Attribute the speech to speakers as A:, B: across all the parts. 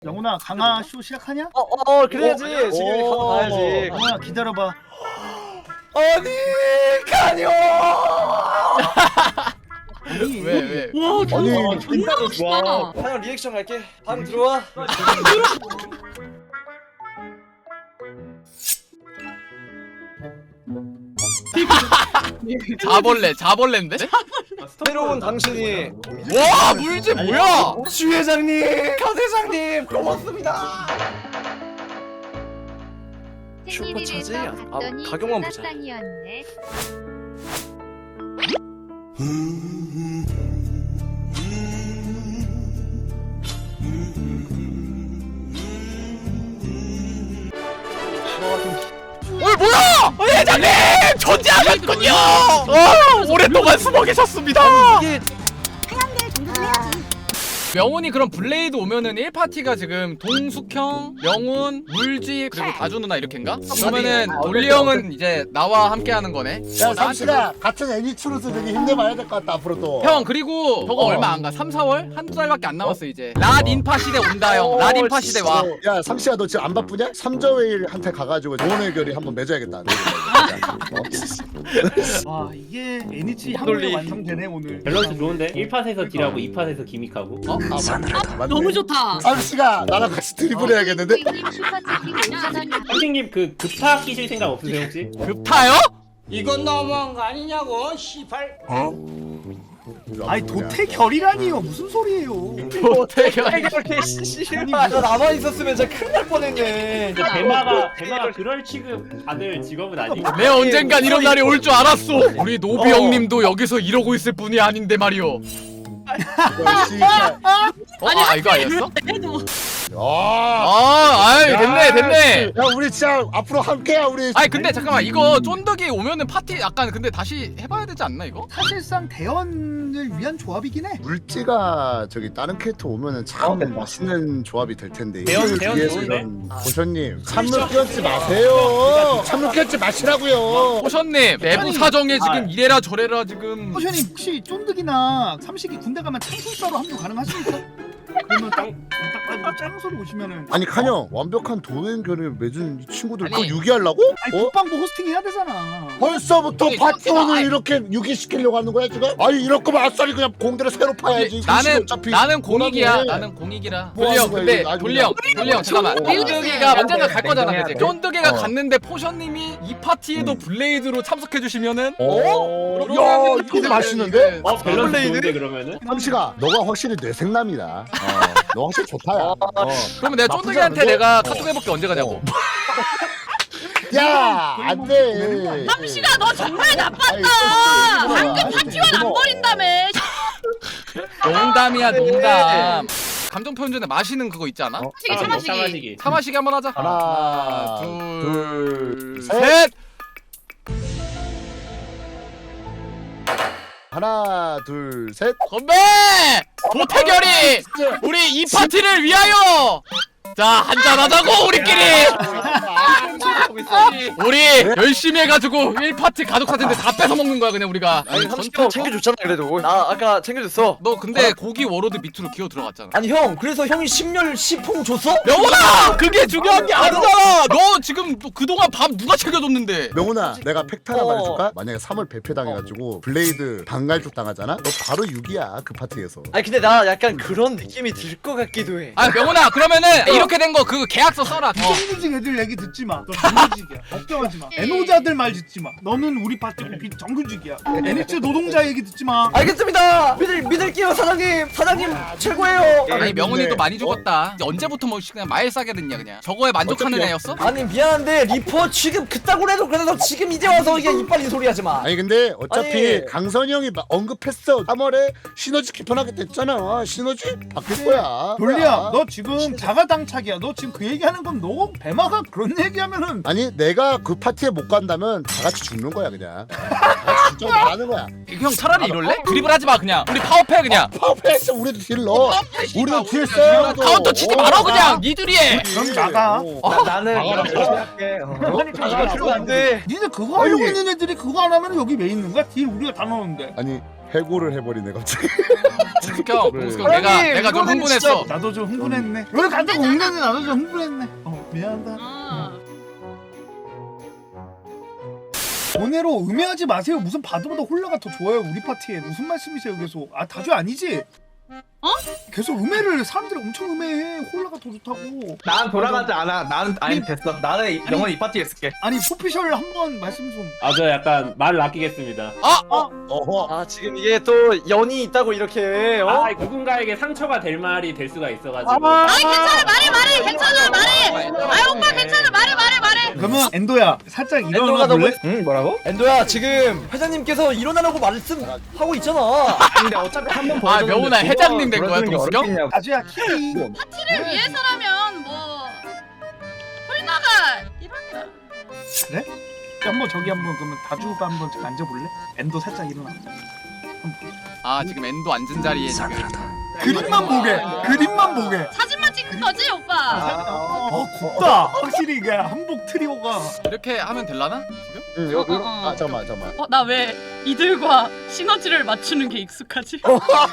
A: 영훈아 강화 쇼 시작하냐?
B: 그래야지. 지금 가야지.
A: 영훈아 기다려봐.
B: 아니 가뇨.
C: 왜?
D: 와,
A: 아니,
D: 존나 멋있다.
B: 하영 리액션 갈게. 방 들어와.
C: 자벌레인데?
B: 새로운 당신이.
C: 와 물지 뭐야?
B: 주 회장님, 강 회장님 고맙습니다. 슈퍼차지? 가격만 보자.
E: 상이었네.
C: 뭐야? 회장님 존재하셨군요. 오랫동안 숨어 계셨습니다.
B: 이게
C: 명훈이 그럼 블레이드 오면은 1파티가 지금 동숙형, 명훈, 물지 그리고 다주 누나 이렇게인가? 그러면은 돌리 형은 이제 나와 함께 하는 거네.
F: 야 삼시가 같은 애니츠로서 되게 힘내봐야 될 것 같다 앞으로도.
C: 형 그리고 저거 얼마 안 가. 3, 4월? 한두 달밖에 안 남았어 이제. 랏 인파 시대 온다 형. 랏 인파 시대 와.
F: 야 삼시야 너 지금 안 바쁘냐? 삼저웨일한테 가가지고 좋은 의결이 한번 맺어야겠다.
A: 와 이게 애니치
B: 돌리.
A: 한번에 완성되네 오늘.
G: 밸런스 좋은데? 1팟에서 딜하고 2팟에서 기믹하고.
F: 맞네.
D: 너무 좋다.
F: 삼시가 나랑 같이 드리블 해야겠는데?
G: 선생님 그 급파 끼실 생각 없으세요 혹시?
C: 급타요?
H: 이건 너무한 거 아니냐고 시발.
A: 아니 도태결이라니요 무슨 소리예요?
C: 도태결.
B: 이렇게 씨발 나 나만 있었으면 진짜 큰일 날 뻔했네.
G: 대마가 그럴 취급 받을 직업은 아니고.
C: 내 언젠간 이런 날이 올 줄 알았어. 우리 노비 형님도 여기서 이러고 있을 분이 아닌데 말이오. 이거 아니었어?
D: 해도
C: 됐네.
F: 야 우리 진짜 앞으로 함께야 우리.
C: 아니 근데 잠깐만 이거 쫀득이 오면은 파티 약간 근데 다시 해봐야 되지 않나 이거?
A: 사실상 대연을 위한 조합이긴 해.
F: 물지가 저기 다른 캐릭터 오면은 참 맛있는 조합이 될 텐데.
G: 대연
F: 위해서
G: 좋은데?
F: 이런 보션님 찬물 끼얹지 마세요. 찬물 끼얹지 마시라고요.
C: 호션님 내부 사정에 지금 이래라 저래라 지금.
A: 호션님 혹시 쫀득이나 삼식이 군대 가면 창술사로 합류 가능하십니까? 그러면 딱 가지고 짱소로 오시면은
F: 아니 칸형 완벽한 도행결을 맺은 이 친구들
C: 아니.
F: 그거 유기하려고?
A: 아니 국방부 호스팅 해야 되잖아.
F: 벌써부터
C: 아니,
F: 파티원을
C: 아니.
F: 이렇게 유기시키려고 하는 거야 지금? 아니 이럴 거면 아싸리 그냥 공대를 새로 파야지.
C: 나는 공익이야. 나는 공익이라.
F: 뭐
C: 돌리 형
F: 하는 거야,
C: 근데
F: 이거
C: 돌리 형 잠깐만. 쫀득이가 언젠가 갈 거잖아 그치?
G: 냉정해야
C: 쫀득이가 갔는데 포션님이 이 파티에도 블레이드로 참석해 주시면은
F: 야 이거 맛있는데?
G: 밸런스
B: 블레이드?
G: 좋은데 그러면은?
F: 삼시가 너가 확실히 뇌생남이다. 너 확실히 좋다야.
C: 그러면 내가
F: 나쁘지
C: 쫀득이한테
F: 않은데?
C: 내가 카톡 해볼게 언제 가냐고.
F: 야 안돼.
D: 삼시가 너 정말 나빴다.
F: 방금
D: 파티원 안 버린다며.
C: 농담이야 농담. 감정 표현 전에 마시는 그거 있지 않아?
D: 차마시기.
G: 사마시기.
C: 사마시기 한번 하자.
F: 하나,
C: 둘,
F: 셋.
C: 셋.
F: 하나 둘 셋.
C: 건배! 도태결이 우리 이 파티를 위하여. 자 한잔 하자고 우리끼리. 우리 열심히 해가지고 1파티 가족 사진들 다 뺏어 먹는 거야 그냥 우리가.
B: 아니 30분 챙겨줬잖아 그래도. 나 아까 챙겨줬어.
C: 너 근데 고기 워로드 밑으로 기어 들어갔잖아.
B: 아니 형 그래서 형이 10열 10홍 줬어?
C: 명훈아 그게 중요한 게 아니잖아. 너 지금 또 그동안 밥 누가 챙겨줬는데?
F: 명훈아 내가 팩트 하나 말해줄까? 만약에 3월 배표당해가지고 블레이드 방갈족 당하잖아? 너 바로 6이야 그 파티에서.
B: 아니 근데 나 약간 그런 느낌이 들 것 같기도 해.
C: 아 명훈아 그러면은 이렇게 된 거 그 계약서 써라.
A: 정규직 애들 얘기 듣지 마. 너 정규직이야. 걱정하지 마. 애노자들 말 듣지 마. 너는 우리 파티고 정규직이야. 애니츠 노동자 얘기 듣지 마.
B: 알겠습니다. 믿을게요 사장님. 사장님 최고예요.
C: 아니 명훈이
F: 근데-
C: 또 많이 죽었다. 이제 언제부터 뭐 그냥 말 싸게 됐냐 그냥. 저거에 만족하는
F: 어차피-
C: 애였어?
B: 아니 미안한데 리퍼 지금 그따구로 해도 그래도 지금 이제 와서 이게 이빨린 소리 하지 마.
F: 아니 근데 어차피
B: 아니.
F: 강선이 형이 언급했어. 3월에 시너지 개편하게 됐잖아. 시너지 바뀔 거야.
A: 돌리야, 너 지금 자가당착이야. 너 지금 그 얘기하는 건 너 배마가 그런 얘기하면은
F: 아니 내가 그 파티에 못 간다면 다 같이 죽는 거야 그냥. 다 같이 좀 잘하는 거야.
C: 형 차라리 이럴래? 드립을 하지 마 그냥. 우리 파워패 그냥.
F: 퍼펙트 우리도 딜 넣어. 우리도 딜 써.
C: 카운터 치지 말아 그냥. 니들이 해.
A: 그럼 나가.
B: 나는 할게. 이거 안돼.
A: 니네 그거 하려고 있는 애들이 그거 안 하면 여기 왜 있는 거야? 딜 우리가 다 넣었는데.
F: 아니 해고를 해버리네 갑자기.
C: 동숙형 내가 좀 흥분했어.
A: 나도 좀 흥분했네. 여기 간다고 흥분했네. 나도 좀 흥분했네. 미안하다.
D: 아.
A: 번외로 음해하지 마세요. 무슨 바드보다 홀라가 더 좋아요. 우리 파티에 무슨 말씀이세요 계속. 아 다주 아니지?
D: 어?
A: 계속 음해를 사람들이 엄청 음해해. 홀라가 더 좋다고.
B: 난 돌아가지 않아. 나는 아니 됐어. 나는 영원히 이 파티에 있을게.
A: 아니 포피셜 한번 말씀 좀.
G: 아 저 약간 말을 아끼겠습니다.
F: 어허.
B: 아 지금 이게 또 연이 있다고 이렇게
G: 아 누군가에게 상처가 될 말이 될 수가 있어가지고.
D: 아니 괜찮아 말해 괜찮아 말해. 아 오빠 괜찮아 말해.
A: 그러면 엔도야 살짝
B: 엔도가
A: 일어나
B: 너무
A: 볼래?
B: 응 뭐라고? 엔도야 지금 회장님께서 일어나라고 말씀하고 있잖아. 근데 어차피 한번
C: 아 명훈아 회장님 된 거야 동숙형?
A: 다주야 키리.
D: 파티를 위해서라면 뭐 홀나가 이러냐.
A: 그래? 한번 저기 한번 그러면 다주가 한번 저기 앉아볼래? 엔도 살짝 일어나.
C: 아 지금 엔도 앉은 자리에 지금.
A: 그림만 보게. 그림만 보게.
D: 사진만 찍는 거지 오빠.
A: 곱다. 확실히 이게 한복 트리오가.
C: 이렇게 하면 될라나 지금?
F: 응 이거
D: 어.
F: 아 잠깐만.
D: 나 왜 이들과 시너지를 맞추는 게 익숙하지?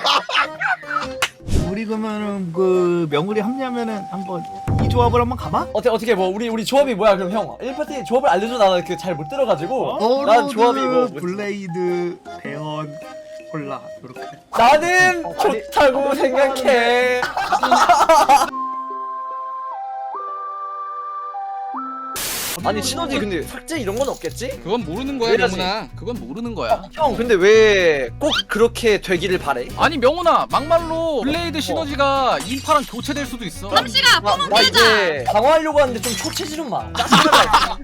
A: 우리 그러면은 그 명울이 합류하면은 한번 이 조합을 한번 가봐.
B: 어떻게 뭐 우리 조합이 뭐야 그럼 형 1파티 조합을 알려줘. 나는 그 잘 못 들어가지고 난
A: 어로드,
B: 조합이 뭐
A: 블레이드, 배언, 콜라 이렇게.
B: 나는 좋다고 생각해. 아니 시너지 근데 삭제 이런 건 없겠지?
C: 그건 모르는 거야
B: 왜냐지?
C: 명훈아. 그건 모르는 거야.
B: 형 근데 왜 꼭 그렇게 되기를 바래?
C: 아니 명훈아 막말로 블레이드 시너지가 인파랑 교체될 수도 있어.
D: 삼시가
B: 나
D: 뿜은 피자.
B: 이제 강화하려고 하는데 좀 초체지 좀 마. 짜증나.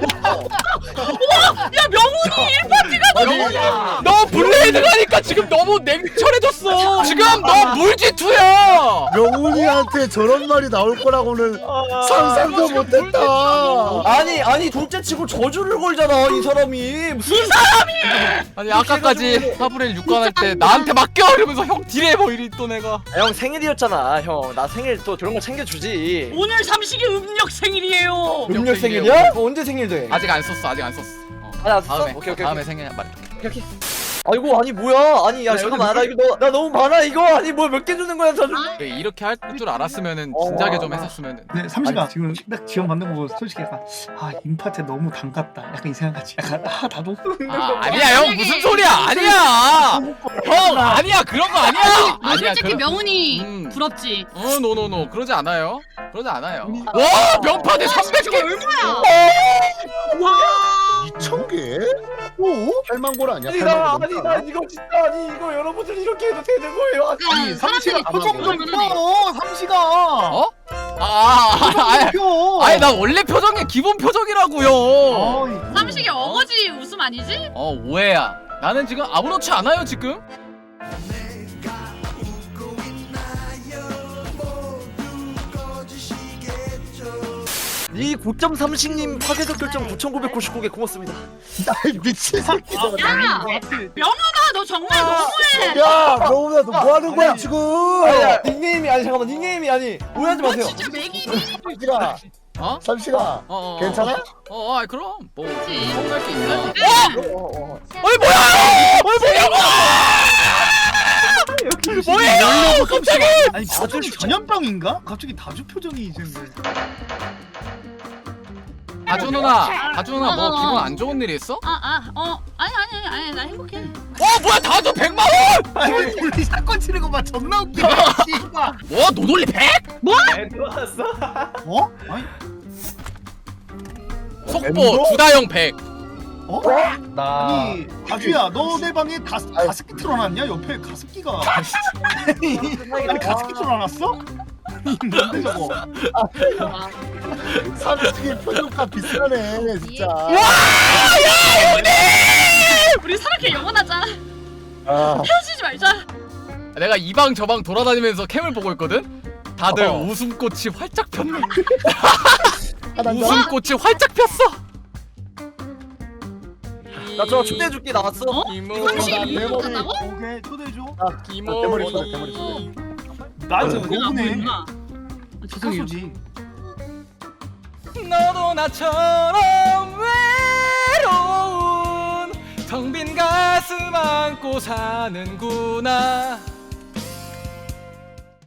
D: 야 명훈이
C: 너 블레이드 가니까 지금 너무 냉철해졌어. 지금 너 물지투야.
F: 명훈이한테 저런 말이 나올 거라고는 상상도 못했다.
B: 아니 둘째치고 저주를 걸잖아 이 사람이. 무슨
C: 아니 아까까지 파브렐 6관 할 때 나한테 맡겨 이러면서 형 딜해 뭐 이리 또 내가.
B: 형 생일이었잖아 형. 나 생일 또 저런 거 챙겨주지.
D: 오늘 삼식이 음력 생일이에요.
B: 음력 생일이야? 언제 생일 돼?
C: 아직 안 썼어.
B: 나 썼어?
C: 다음에
B: 오케이.
C: 다음에 생일 말해.
B: 오케이. 아이고 아니 뭐야? 아니 야 잠깐만 나 이거 나 너무 많아 이거. 아니 뭐 몇 개 주는 거야 저주.
C: 이렇게 할 줄 알았으면은 진작에 좀 했었으면은.
A: 네, 삼시가 지금 딱 지원 받는 거 보고 솔직히 약간 인파트 너무 반갑다. 약간 이 생각하지. 약간 나도.
C: 아니야 형 무슨 소리야? 아니야. 형 아니야 그런 거 아니야.
D: 너 솔직히
C: 그런-
D: 명훈이 부럽지.
C: 노노노 그러지 않아요. 와 명파대 300개.
D: 얼마야?
F: 2,000개? 오? 8만 골 아니야?
B: 아니
F: 8만
B: 나
F: 골.
B: 아니 나 이거 진짜 아니 이거 여러분들 이렇게 해도 되는 거예요?
A: 아니 삼시가
D: 사람들이
A: 표정 좀
D: 그러네.
A: 봐. 삼시가.
C: 어?
A: 표.
C: 아니 나 원래 표정이 기본 표정이라고요.
D: 삼식이 어거지 웃음 아니지?
C: 오해야. 나는 지금 아무렇지 않아요 지금.
B: 이 고점 삼식님 파괴적 결정 9,999개 고맙습니다.
F: 아이 미친 새끼.
D: 야 명훈아 너 정말 너무해.
F: 야, 명훈아 너 뭐 하는 거야 지금?
B: 아니야 닉네임이 아니 잠깐만 닉네임이 아니 오해하지
D: 너
B: 마세요.
D: 진짜 맥이.
F: 삼시가.
C: 어?
F: 삼시가. 괜찮아?
C: 아니 그럼 뭐
D: 그치.
C: 성공할 게 있나?
B: 어이
C: 뭐예요? 갑자기?
A: 아니 표정이 전염병인가? 갑자기 다주 표정이 이제.
C: 다주 누나 뭐
D: 어.
C: 기분 안 좋은 일 있어?
D: 아니 나 행복해.
C: 뭐야 다주 100만 원?
A: 아니 우리 사건 치는 거 봐. 존나 웃기네. 씨발.
C: 뭐 노돌리 100?
G: 들어왔어.
A: 어? 아니
C: 속보 주다영 100.
A: 아니 다주야 너 내 방에 가습기 틀어놨냐? 옆에 가습기가. 아니 가습기 틀어놨어? 뭔데 저거?
F: 삼식이 표정과 비슷하네 진짜.
D: 우리 사랑해 영원하자.
F: 아,
D: 헤어지지 말자.
C: 내가 이 방 저 방 돌아다니면서 캠을 보고 있거든? 다들
F: 어.
C: 웃음꽃이 활짝 폈네.
F: 하나 더.
C: 웃음꽃이 활짝 폈어.
B: 나 저 초대해줄게 나왔어.
D: 어?
C: 기모.
D: 삼십
F: 나
D: 이거
F: 메모리.
D: 간다고?
A: 오케이 초대해줘.
C: 기모.
F: 대머리 초대 대머리 초대.
A: 나한테
D: 내가 안
A: 너무네.
D: 보이구나. 아, 죄송해요.
A: 가수지.
C: 너도 나처럼 외로운 텅 빈 가슴 안고 사는구나.